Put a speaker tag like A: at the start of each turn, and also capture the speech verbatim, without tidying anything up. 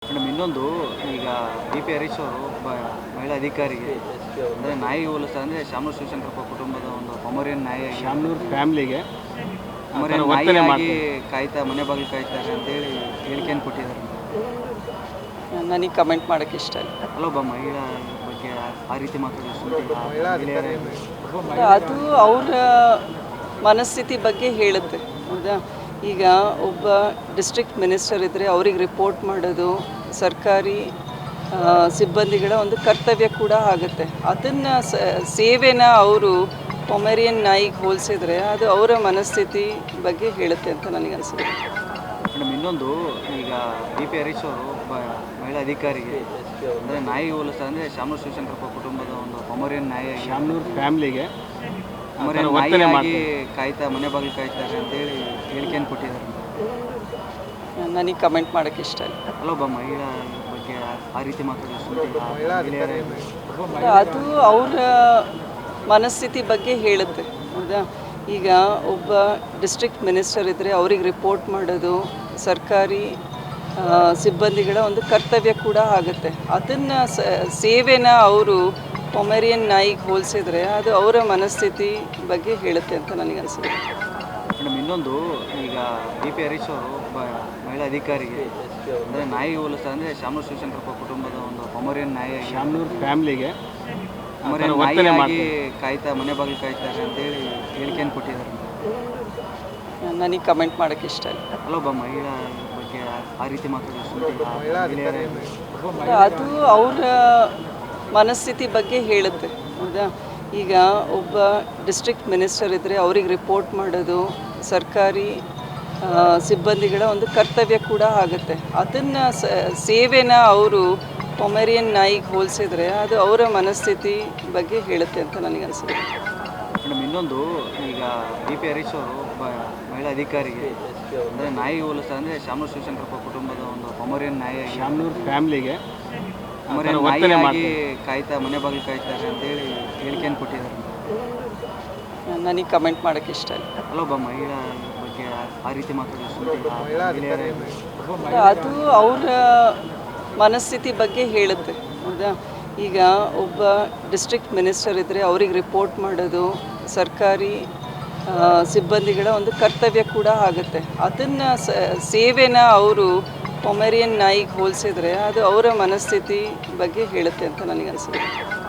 A: Madam ಇನ್ನೊಂದು ಈಗ B P Harish ಅವರು ಒಬ್ಬ ಮಹಿಳಾ ಅಧಿಕಾರಿಗೆ ಅಂದರೆ ನಾಯಿ ಹೋಲಿಸ್ತಾರೆ ಅಂದರೆ ಶಾಮನೂರು ಶಿವಶಂಕರಪ್ಪ ಕುಟುಂಬದ ಒಂದು ಪೊಮರಿಯನ್ ನಾಯಿ
B: ಶಾಮನೂರು ಫ್ಯಾಮ್ಲಿಗೆ
A: ಪೊಮರಿಯನ್ ನಾಯಿಯಾಗಿ ಕಾಯ್ತಾ ಮನೆ ಬಾಗಿಲು ಕಾಯ್ತಾರೆ ಅಂತೇಳಿ ಹೇಳಿಕೆಯನ್ನು ಕೊಟ್ಟಿದ್ದಾರೆ.
C: ನನಗೆ ಕಮೆಂಟ್ ಮಾಡೋಕ್ಕೆ ಇಷ್ಟ ಇಲ್ಲ.
A: ಅಲ್ಲೊಬ್ಬ ಮಹಿಳಾ ಬಗ್ಗೆ ಆ ರೀತಿ ಮಾತಾಡೋದು
C: ಅದು ಅವರ ಮನಸ್ಥಿತಿ ಬಗ್ಗೆ ಹೇಳುತ್ತೆ. ಹೌದಾ, ಈಗ ಒಬ್ಬ ಡಿಸ್ಟ್ರಿಕ್ಟ್ ಮಿನಿಸ್ಟರ್ ಇದ್ದರೆ ಅವ್ರಿಗೆ ರಿಪೋರ್ಟ್ ಮಾಡೋದು ಸರ್ಕಾರಿ ಸಿಬ್ಬಂದಿಗಳ ಒಂದು ಕರ್ತವ್ಯ ಕೂಡ ಆಗುತ್ತೆ. ಅದನ್ನು ಸೇವೆನ ಅವರು ಪೊಮೆರಿಯನ್ ನಾಯಿಗೆ ಹೋಲಿಸಿದ್ರೆ ಅದು ಅವರ ಮನಸ್ಥಿತಿ ಬಗ್ಗೆ ಹೇಳುತ್ತೆ ಅಂತ ನನಗನ್ಸುತ್ತೆ.
A: ಮೇಡಮ್ ಇನ್ನೊಂದು ಈಗ ಬಿ ಪಿ ಹರೀಶ್ ಅವರು ಒಬ್ಬ ಮಹಿಳಾ ಅಧಿಕಾರಿಗೆ ಅಂದರೆ ನಾಯಿ ಹೋಲಿಸ್ತಾರೆ ಅಂದರೆ ಶಾಮನೂರು ಶಿವಶಂಕರಪ್ಪ ಕುಟುಂಬದ ಒಂದು ಪೊಮರಿಯನ್ ನಾಯಿ
B: ಶಾಮನೂರು ಫ್ಯಾಮ್ಲಿಗೆ
A: ನಾಯಿಯಾಗಿ ಕಾಯ್ತಾ ಮನೆ ಬಾಗಿಲು ಕಾಯ್ತಾರೆ ಅಂತೇಳಿ ಹೇಳಿಕೆಯನ್ನು ಕೊಟ್ಟಿದ್ದಾರೆ.
C: ನನಗೆ ಕಮೆಂಟ್ ಮಾಡೋಕ್ಕೆ ಇಷ್ಟ ಇಲ್ಲ.
A: ಅಲ್ಲೊಬ್ಬ ಮಹಿಳಾ ಬಗ್ಗೆ ಆ ರೀತಿ ಮಾತಾಡೋದು
C: ಅದು ಅವರ ಮನಸ್ಥಿತಿ ಬಗ್ಗೆ ಹೇಳುತ್ತೆ. ಹೌದಾ, ಈಗ ಒಬ್ಬ ಡಿಸ್ಟ್ರಿಕ್ಟ್ ಮಿನಿಸ್ಟರ್ ಇದ್ದರೆ ಅವ್ರಿಗೆ ರಿಪೋರ್ಟ್ ಮಾಡೋದು ಸರ್ಕಾರಿ ಸಿಬ್ಬಂದಿಗಳ ಒಂದು ಕರ್ತವ್ಯ ಕೂಡ ಆಗುತ್ತೆ. ಅದನ್ನು ಸೇವೆನ ಅವರು ಪೊಮೆರಿಯನ್ ನಾಯಿಗೆ ಹೋಲಿಸಿದ್ರೆ ಅದು ಅವರ ಮನಸ್ಥಿತಿ ಬಗ್ಗೆ ಹೇಳುತ್ತೆ ಅಂತ ನನಗನ್ಸುತ್ತೆ.
A: ಮೇಡಮ್ ಇನ್ನೊಂದು ಈಗ ಬಿ ಪಿ ಹರೀಶ್ ಅವರು ಒಬ್ಬ ಮಹಿಳಾ ಅಧಿಕಾರಿಗೆ ಅಂದರೆ ನಾಯಿ ಹೋಲಿಸ್ತಾರೆ ಅಂದರೆ ಶಾಮನೂರು ಶಿವಶಂಕರಪ್ಪ ಕುಟುಂಬದ ಒಂದು ಪೊಮರಿಯನ್ ನಾಯಿ
B: ಶಾಮನೂರು ಫ್ಯಾಮ್ಲಿಗೆ
A: ನಾಯಿಯಾಗಿ ಕಾಯ್ತಾ ಮನೆ ಬಾಗಿಲು ಕಾಯ್ತಾರೆ ಅಂತೇಳಿ ಹೇಳಿಕೆಯನ್ನು ಕೊಟ್ಟಿದ್ದಾರೆ.
C: ನನಗೆ ಕಮೆಂಟ್ ಮಾಡೋಕ್ಕೆ ಇಷ್ಟ ಇಲ್ಲ.
A: ಅಲ್ಲೊಬ್ಬ ಮಹಿಳಾ ಬಗ್ಗೆ ಆ ರೀತಿ ಮಾತಾಡೋದು
C: ಅದು ಅವರ ಮನಸ್ಥಿತಿ ಬಗ್ಗೆ ಹೇಳುತ್ತೆ. ಹೌದಾ, ಈಗ ಒಬ್ಬ ಡಿಸ್ಟ್ರಿಕ್ಟ್ ಮಿನಿಸ್ಟರ್ ಇದ್ದರೆ ಅವ್ರಿಗೆ ರಿಪೋರ್ಟ್ ಮಾಡೋದು ಸರ್ಕಾರಿ ಸಿಬ್ಬಂದಿಗಳ ಒಂದು ಕರ್ತವ್ಯ ಕೂಡ ಆಗುತ್ತೆ. ಅದನ್ನು ಸೇವೆನ ಅವರು ಪೊಮೆರಿಯನ್ ನಾಯಿಗೆ ಹೋಲಿಸಿದ್ರೆ ಅದು ಅವರ ಮನಸ್ಥಿತಿ ಬಗ್ಗೆ ಹೇಳುತ್ತೆ ಅಂತ ನನಗನ್ಸುತ್ತೆ.
A: ಮೇಡಮ್ ಇನ್ನೊಂದು ಈಗ ಬಿ ಪಿ ಹರೀಶ್ ಅವರು ಒಬ್ಬ ಮಹಿಳಾ ಅಧಿಕಾರಿಗೆ ಅಂದರೆ ನಾಯಿ ಹೋಲಿಸ್ತಾರೆ ಅಂದರೆ ಶಾಮನೂರು ಶಿವಶಂಕರಪ್ಪ ಕುಟುಂಬದ ಒಂದು ಪೊಮರಿಯನ್ ನಾಯಿ
B: ಶಾಮನೂರು ಫ್ಯಾಮ್ಲಿಗೆ
A: ನಾಯಿಯಾಗಿ ಕಾಯ್ತಾ ಮನೆ ಬಾಗಿಲು ಕಾಯ್ತಾರೆ ಅಂತೇಳಿ ಹೇಳಿಕೆಯನ್ನು ಕೊಟ್ಟಿದ್ದಾರೆ.
C: ನನಗೆ ಕಮೆಂಟ್ ಮಾಡೋಕ್ಕೆ ಇಷ್ಟ ಇಲ್ಲ.
A: ಅಲ್ಲೊಬ್ಬ ಮಹಿಳಾ ಬಗ್ಗೆ ಆ ರೀತಿ ಮಾತಾಡೋದು
C: ಅದು ಅವರ ಮನಸ್ಥಿತಿ ಬಗ್ಗೆ ಹೇಳುತ್ತೆ. ಹೌದಾ, ಈಗ ಒಬ್ಬ ಡಿಸ್ಟ್ರಿಕ್ಟ್ ಮಿನಿಸ್ಟರ್ ಇದ್ದರೆ ಅವ್ರಿಗೆ ರಿಪೋರ್ಟ್ ಮಾಡೋದು ಸರ್ಕಾರಿ ಸಿಬ್ಬಂದಿಗಳ ಒಂದು ಕರ್ತವ್ಯ ಕೂಡ ಆಗುತ್ತೆ. ಅದನ್ನು ಸೇವೆನ ಅವರು ಪೊಮೆರಿಯನ್ ನಾಯಿಗೆ ಹೋಲಿಸಿದ್ರೆ ಅದು ಅವರ ಮನಸ್ಥಿತಿ ಬಗ್ಗೆ ಹೇಳುತ್ತೆ ಅಂತ ನನಗನ್ಸುತ್ತೆ.